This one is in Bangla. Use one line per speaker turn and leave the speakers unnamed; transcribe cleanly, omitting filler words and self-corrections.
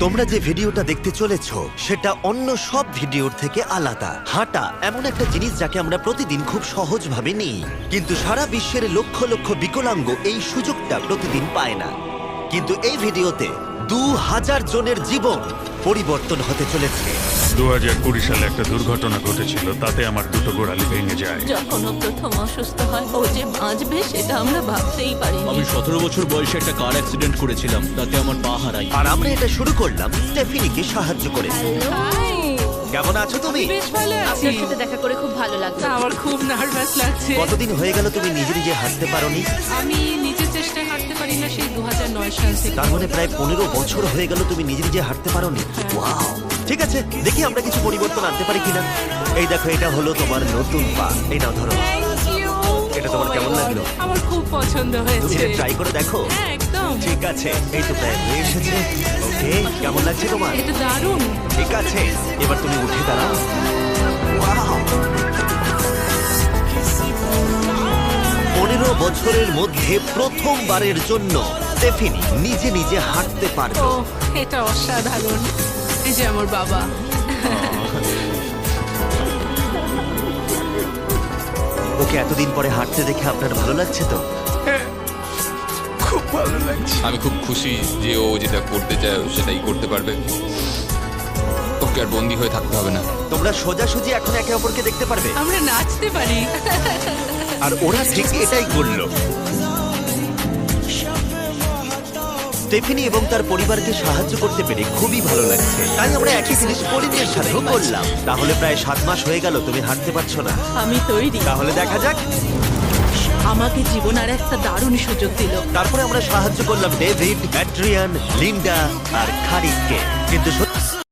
তোমরা যে ভিডিওটা দেখতে চলেছো সেটা অন্য সব ভিডিওর থেকে আলাদা। হাঁটা এমন একটা জিনিস যাকে আমরা প্রতিদিন খুব সহজভাবে নিই, কিন্তু সারা বিশ্বের লক্ষ লক্ষ বিকলাঙ্গ এই সুযোগটা প্রতিদিন পায় না। কিন্তু এই ভিডিওতে 2000 জনের জীবন পরিবর্তন হতে চলেছে।
2020 সালে একটা দুর্ঘটনা ঘটেছিল, তাতে আমার দুটো গোড়ালি ভেঙে যায়।
যখন ও প্রথম অসুস্থ হয়, ও যে বাঁচবে সেটা আমরা ভাবতেই পারিনি।
আমি 17 বছর বয়সে একটা কার অ্যাক্সিডেন্ট করেছিলাম, তাতে আমার পা হারাই।
আর আমরা এটা শুরু করলাম স্টেফিনিকে সাহায্য করে।
হাই,
কেমন আছো তুমি?
বেশ ভালো আছি।
আপনার সাথে দেখা করে খুব ভালো লাগলো।
আমার খুব নার্ভাস লাগছে।
কতদিন হয়ে গেল তুমি নিজে নিজে হাঁটতে পারোনি?
আমি নিজের চেষ্টায় হাঁটতে পারি না সেই 2009 সাল থেকে।
তার মানে প্রায় 15 বছর হয়ে গেল তুমি নিজে নিজে হাঁটতে পারোনি। ওয়াও! ঠিক আছে, দেখি আমরা কিছু পরিবর্তন আনতে পারি কিনা। এই দেখো, এটা হলো তোমার নতুন পা। এই নাও ধরো।
Thank you!
এটা তোমার
Oh my
কেমন
God,
লাগলো?
আমার খুব পছন্দ
তুমি
হয়েছে।
এটা ট্রাই করে দেখো।
হ্যাঁ, একদম।
ঠিক আছে, এই তো প্রায় হয়ে এসেছে। ওকে, কেমন লাগছে তোমার?
এটা দারুণ।
ঠিক আছে, এবার তুমি উঠে দাঁড়াও। ওয়াও! 15 বছরের মধ্যে প্রথমবারের জন্য স্টেফিনি নিজে নিজে হাঁটতে
ও,
পারলো।
এটা অসাধারণ। এই যে আমার বাবা।
ওকে এতদিন পরে হাঁটতে দেখে আপনার ভালো লাগছে তো?
আমি খুব খুশি যে ও যেটা করতে চায় ও সেটাই করতে পারবে। ওকে আর বন্দি হয়ে থাকতে হবে না।
তোমরা সোজাসুজি এখন একে অপরকে দেখতে পারবে।
আমরা নাচতে পারি।
আর ওরা ঠিক এটাই করলো। স্টেফিনি এবং তার পরিবারকে সাহায্য করতে পেরে খুবই ভালো লাগছে। তাই আমরা একই জিনিস পরিণের সাথেও করলাম। তাহলে প্রায় 7 মাস হয়ে গেল তুমি হাঁটতে পারছো না।
আমি তৈরি।
তাহলে দেখা যাক।
আমাকে জীবন আর একটা দারুণ সুযোগ দিল।
তারপরে আমরা সাহায্য করলাম ডেভিড, অ্যাড্রিয়ান, লিন্ডা আর খারিদকে। কিন্তু